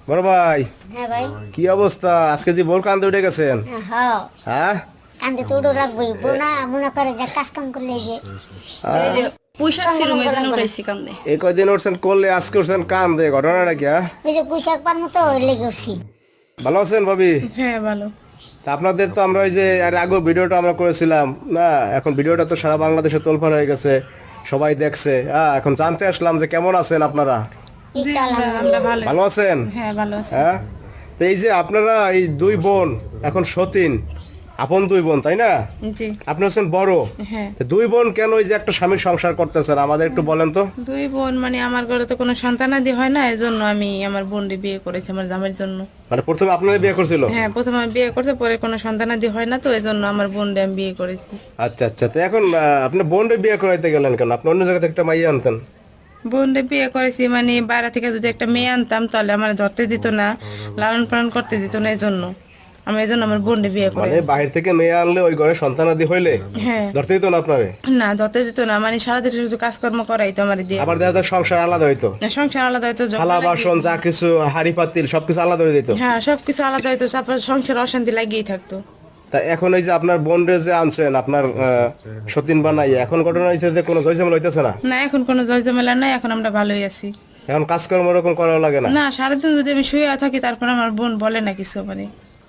বড় ভাই, হ্যাঁ ভাই। কি অবস্থা? আজকে দি বল কান্দে উঠে গেছেন? হ্যাঁ, হ্যাঁ কান্দে তো উড়ো লাগবেই, বোনা মনে করে যে কাজ কাম করলে যে এই যে পুঁইশাক সঙ্গে ছিঁড়ুম, এই জন্য লাগবে না। উঠাইছি কান্দে। এই কয়দিন উঠছেন করলে আজকে উঠছেন কান্দে, ঘটনাটা কি? ওই যে পুঁইশাক পান মতো লেগে উঠছি। ভালো আছেন ভাবি? হ্যাঁ ভালো। তা আপনাদের তো আমরা ওই যে এর আগে ভিডিওটা আমরা করেছিলাম না, এখন ভিডিওটা তো সারা বাংলাদেশে তোলপাড় হয়ে গেছে, সবাই দেখছে। এখন জানতে আসলাম যে কেমন আছেন আপনারা? জি, ইটা আমরা আলহামদুলিল্লাহ। ভালো। ভালো আছেন? হ্যাঁ ভালো আছি। হ্যাঁ, তো এই যে আপনারা এই দুই বোন এখন সতীন, আপন দুই বোন তাই না? জি আপনি হচ্ছেন বড়। হ্যাঁ। তো দুই বোন কেন ওই যে একটা স্বামীর সংসার করতেছেন আমাদের একটু বলেন তো। দুই বোন মানে আমার ঘরে তো কোনো সন্তানাদি হয় না, এই জন্য আমি আমার বোনকে বিয়ে করেছি আমার জামাইয়ের জন্য। মানে প্রথমে আপনারা বিয়ে করছিল? হ্যাঁ, প্রথমে আমি বিয়ে করতে, পরে কোনো সন্তানাদি হয় না, তো এই জন্য আমার বোনকে আমি বিয়ে করেছি। আচ্ছা আচ্ছা, তো এখন আপনি বোনরে বিয়ে করাইতে গেলেন কেন? আপনি অন্য জায়গা থেকে একটা মাইয়া আনতেন। বোনকে বিয়ে করেছি মানে বাইরে থেকে যদি একটা মেয়ে আনতাম তাহলে আমার ধরতে দিত না, লালন পালন করতে দিত না, এই জন্য আমি এই জন্য আমার বোনকে বিয়ে করে। মানে বাহির থেকে মেয়ে আনলে ওই ঘরে সন্তানাদি হইলে হ্যাঁ। ধরতে দিত না আপনারে? না, ধরতে দিত না, মানে সারাদিন শুধু কাজকর্ম করাই তো আমার দিয়ে। আবার দেখা যায় সংসার আলাদা হইতো, সংসার আলাদা হয়তো, থালা বাসন যা কিছু হাড়ি পাতিল সবকিছু আলাদা হয়ে দিত। হ্যাঁ সবকিছু আলাদা হয়তো, তারপর সংসার অশান্তি লাগিয়েই থাকতো। তা এখন এই যে আপনার বোনরে যে আনছেন আপনার সতীন বানাইয়া, এখন ঘটনা হয়েছে যে কোনো জয়জমল হইতেছে না? না, এখন কোনো জয়জমেলা নাই, এখন আমরা ভালোই আছি। এখন কাজকর্ম ওরকম করা লাগে না? না, সারাদিন যদি আমি শুয়ে থাকি তারপর আমার বোন বলে না কিছু মানে।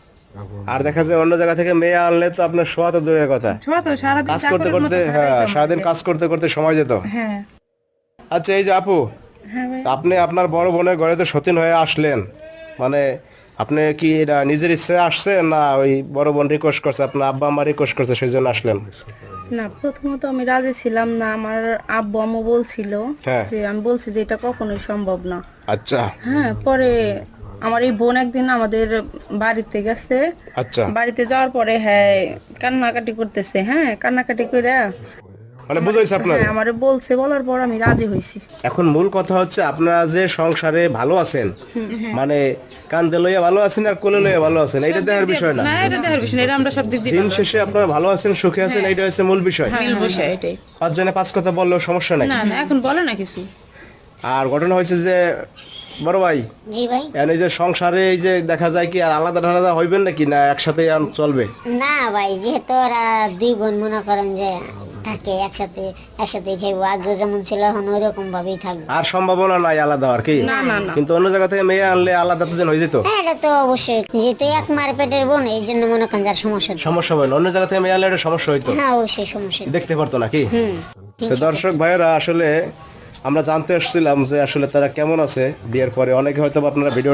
আর দেখা যায় অন্য জায়গা থেকে মেয়ে আনলে তো আপনার শোয়া তো দূরের কথা, শোয়া তো সারাদিন কাজ করতে চাকরের মতো করতে, খাটাই হ্যাঁ তো সারাদিন আমাকে। কাজ করতে করতে সময় যেত। হ্যাঁ আচ্ছা এই যে আপু, হ্যাঁ ভাই। আপনি আপনার বড় বোনের ঘরে তো সতীন হয়ে আসলেন, মানে আপনি কি এটা নিজের ইচ্ছে আসছেন না ওই বড় বোন রিকোয়েস্ট করছে, আপনার আব্বা আম্মা রিকোয়েস্ট করছে সেই জন্য আসলেন? না, প্রথমত আমি রাজি ছিলাম না। আমার আব্বু আম্মু বলছিল হ্যাঁ। যে, আমি বলছি যে এটা কখনোই সম্ভব না। আচ্ছা হ্যাঁ, পরে আমার এই বোন একদিন আমাদের বাড়িতে গেছে। আচ্ছা, বাড়িতে যাওয়ার পরে হ্যাঁ কান্নাকাটি করতেছে, হ্যাঁ কান্নাকাটি করে মানে বুঝাইছে আপনার? হ্যাঁ আমারে বলছে, বলার পর আমি রাজি হয়েছি। এখন মূল কথা হচ্ছে আপনারা যে সংসারে ভালো আছেন, মানে কান্দে লইয়া ভালো আছেন আর কোলে লইয়া ভালো আছেন, এইটা দেখার বিষয় না। না, এটা দেখার বিষয় না, এটা আমরা সব দিক দিয়ে দিন শেষে আপনারা ভালো আছেন, সুখে আছেন, এইটা হচ্ছে মূল বিষয়। মিল বসে এটাই। পাঁচজনে পাঁচ কথা বললেও সমস্যা নাই। না না, এখন বলে না কিছু। আর ঘটনা হয়েছে যে বড় ভাই, জি ভাই। এখন এই যে সংসারে এই যে দেখা যায় কি আর আলাদা আলাদা হইবেন নাকি না একসাথে চলবে? না ভাই, যেহেতু ওরা দুই বোন মনে করেন যে থাকে একসাথে, একসাথে খাইবো, আগেও যেমন ছিল এখন ওই রকম ভাবেই থাকবো। আর সম্ভাবনা নাই আলাদা আর কি? কিন্তু অন্য জায়গা থেকে মেয়ে আনলে আলাদা তো হয়ে যেত। হ্যাঁ, এটা তো অবশ্যই, যেহেতু এক মার পেটের বোন, এই জন্য মনে করেন যার সমস্যা হচ্ছে। সমস্যা হয় না, অন্য জায়গা থেকে মেয়ে আনলে একটা সমস্যা হইতো, হ্যাঁ অবশ্যই সমস্যা। দেখতে পারতো নাকি? হুম। তো দর্শক ভাইয়েরা, আসলে আমরা জানতে আসছিলাম যে আসলে তারা কেমন আছে বিয়ের পরে। অনেকে হয়তো আপনারা ভিডিও